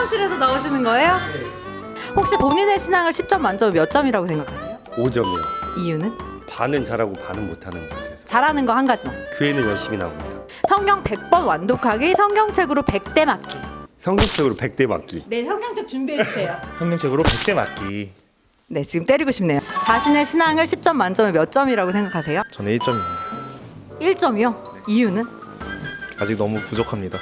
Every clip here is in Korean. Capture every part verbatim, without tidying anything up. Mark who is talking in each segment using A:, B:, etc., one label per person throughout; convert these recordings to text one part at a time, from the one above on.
A: 사무실에서 나오시는 거예요? 혹시 본인의 신앙을 십 점 만점에 몇 점이라고 생각하세요?
B: 오 점이요.
A: 이유는?
B: 반은 잘하고 반은 못하는 것 같아서.
A: 잘하는 거 한 가지만.
B: 교회는 열심히 나옵니다.
A: 성경 백 번 완독하기, 성경책으로 백 대 맞기.
B: 성경책으로 백 대 맞기.
A: 네, 성경책 준비해 주세요.
C: 성경책으로 백 대 맞기.
A: 네, 지금 때리고 싶네요. 자신의 신앙을 십 점 만점에 몇 점이라고 생각하세요?
C: 저는 일 점입니다.
A: 일 점이요? 이유는?
C: 아직 너무 부족합니다.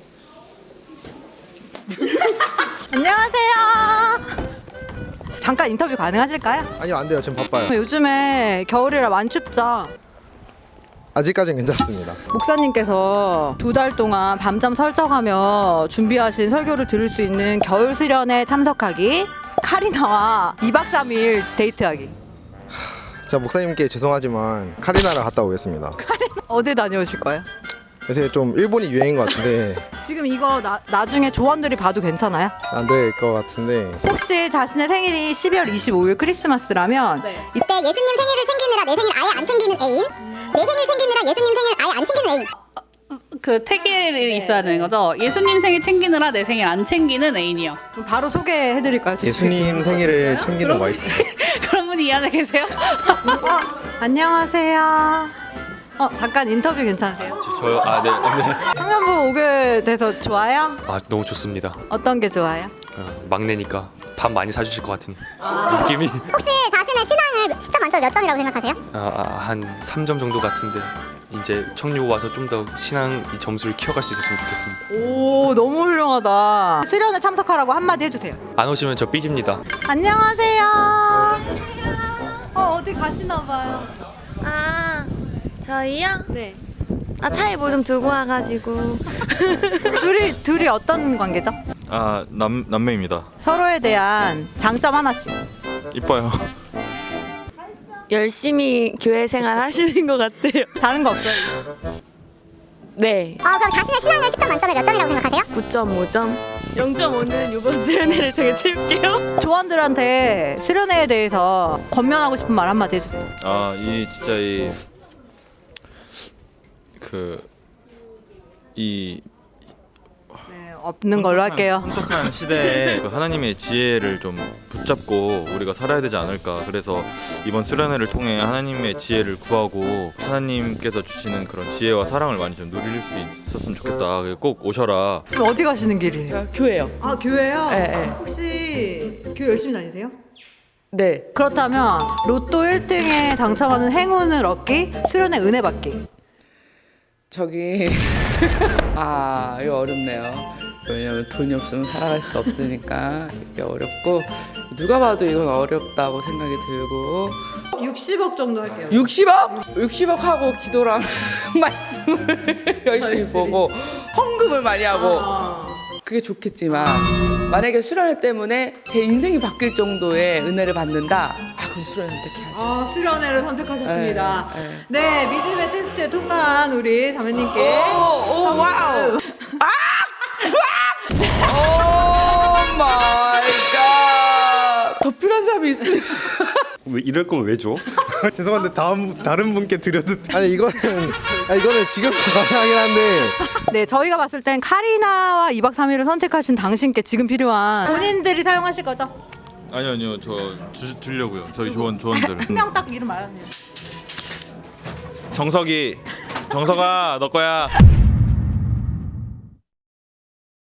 A: 안녕하세요. 잠깐 인터뷰 가능하실까요?
D: 아니요, 안 돼요. 지금 바빠요.
A: 요즘에 겨울이라 많이 춥죠?
D: 아직까지는 괜찮습니다.
A: 목사님께서 두 달 동안 밤잠 설정하며 준비하신 설교를 들을 수 있는 겨울 수련회 참석하기, 카리나와 이 박 삼 일 데이트하기.
D: 제가 목사님께 죄송하지만 카리나를 갔다 오겠습니다.
A: 어디 다녀오실 거예요?
D: 요새 좀 일본이 유행인 것 같은데
A: 지금 이거 나, 나중에 조원들이 봐도 괜찮아요?
D: 안 될 것 같은데
A: 혹시 자신의 생일이 십이월 이십오일 크리스마스라면
E: 이때 예수님 생일을 챙기느라 내 생일 아예 안 챙기는 애인, 내 생일 챙기느라 예수님 생일 아예 안 챙기는 애인.
F: 그 태길이 있어야 되는 거죠. 예수님 생일 챙기느라 내 생일 안 챙기는 애인이요.
A: 그럼 바로 소개해드릴까요?
C: 예수님 생일을 챙기는
F: 그럼-
C: 와이프.
F: 그런 분이 이 안에 계세요?
A: 어, 안녕하세요. 어, 잠깐 인터뷰 괜찮으세요?
G: 저요? 아, 네. 네.
A: 청년부 오게 돼서 좋아요?
G: 아, 너무 좋습니다.
A: 어떤 게 좋아요?
G: 어, 막내니까 밥 많이 사주실 것 같은 느낌이.
E: 혹시 자신의 신앙을 십 점 만점 몇 점이라고 생각하세요?
G: 아, 아, 한 삼 점 정도 같은데 이제 청류 와서 좀 더 신앙 이 점수를 키워갈 수 있었으면 좋겠습니다.
A: 오, 너무 훌륭하다. 수련회 참석하라고 한마디 해주세요.
G: 안 오시면 저 삐집니다.
A: 안녕하세요. 어, 어디 가시나 봐요.
H: 아, 저희요?
A: 네.
H: 아, 차에 뭐 좀 두고 와가지고.
A: 둘이 둘이 어떤 관계죠?
C: 아, 남 남매입니다.
A: 서로에 대한 장점 하나씩.
C: 이뻐요.
H: 열심히 교회 생활 하시는 것 같아요.
A: 다른 거 없어요?
H: 네.
E: 어, 그럼 자신의 신앙을 십 점 만점에 몇 점이라고 생각하세요?
H: 구 점 오 점. 영 점 오는 이번 수련회를 통해 채울게요.
A: 조원들한테 수련회에 대해서 권면하고 싶은 말 한마디 해주세요.
I: 아, 이 진짜 이 그 이
A: 네, 없는 걸로 할게요.
I: 혼탁한 시대에 그 하나님의 지혜를 좀 붙잡고 우리가 살아야 되지 않을까. 그래서 이번 수련회를 통해 하나님의 지혜를 구하고 하나님께서 주시는 그런 지혜와 사랑을 많이 좀 누릴 수 있었으면 좋겠다. 꼭 오셔라.
A: 지금 어디 가시는 길이에요?
H: 저 교회요.
A: 아, 교회요?
H: 네, 네.
A: 혹시 교회 열심히 다니세요?
H: 네.
A: 그렇다면 로또 일 등에 당첨하는 행운을 얻기, 수련회 은혜 받기.
J: 저기 아 이거 어렵네요. 왜냐면 돈이 없으면 살아갈 수 없으니까 이게 어렵고 누가 봐도 이건 어렵다고 생각이 들고
A: 육십억 정도 할게요.
J: 육십억? 육십억 하고 기도랑 말씀을 열심히 보고 헌금을 많이 하고 그게 좋겠지만 만약에 수련회 때문에 제 인생이 바뀔 정도의 은혜를 받는다? 아 그럼 수련회 선택해야죠.
A: 아, 수련회를 선택하셨습니다.
J: 네,
A: 네, 믿음의 테스트에 통과한 우리 자매님께
J: 오, 오, 와우. 오 마이 갓. 더 필요한 사람이 있으면
B: 왜 이럴 거면 왜 줘?
C: 죄송한데 다음 다른 분께 드려도 돼?
D: 아니 이거는 아, 이거는 지금 가능하긴 한데
A: 네, 저희가 봤을 땐 카리나와 이 박 삼 일을 선택하신 당신께 지금 필요한 본인들이 사용하실 거죠?
I: 아니요, 아니요. 저 주, 주려고요. 저희 조원 조원들.
A: 한 명 딱 이름 말하세요.
I: 정석이. 정석아, 너 거야.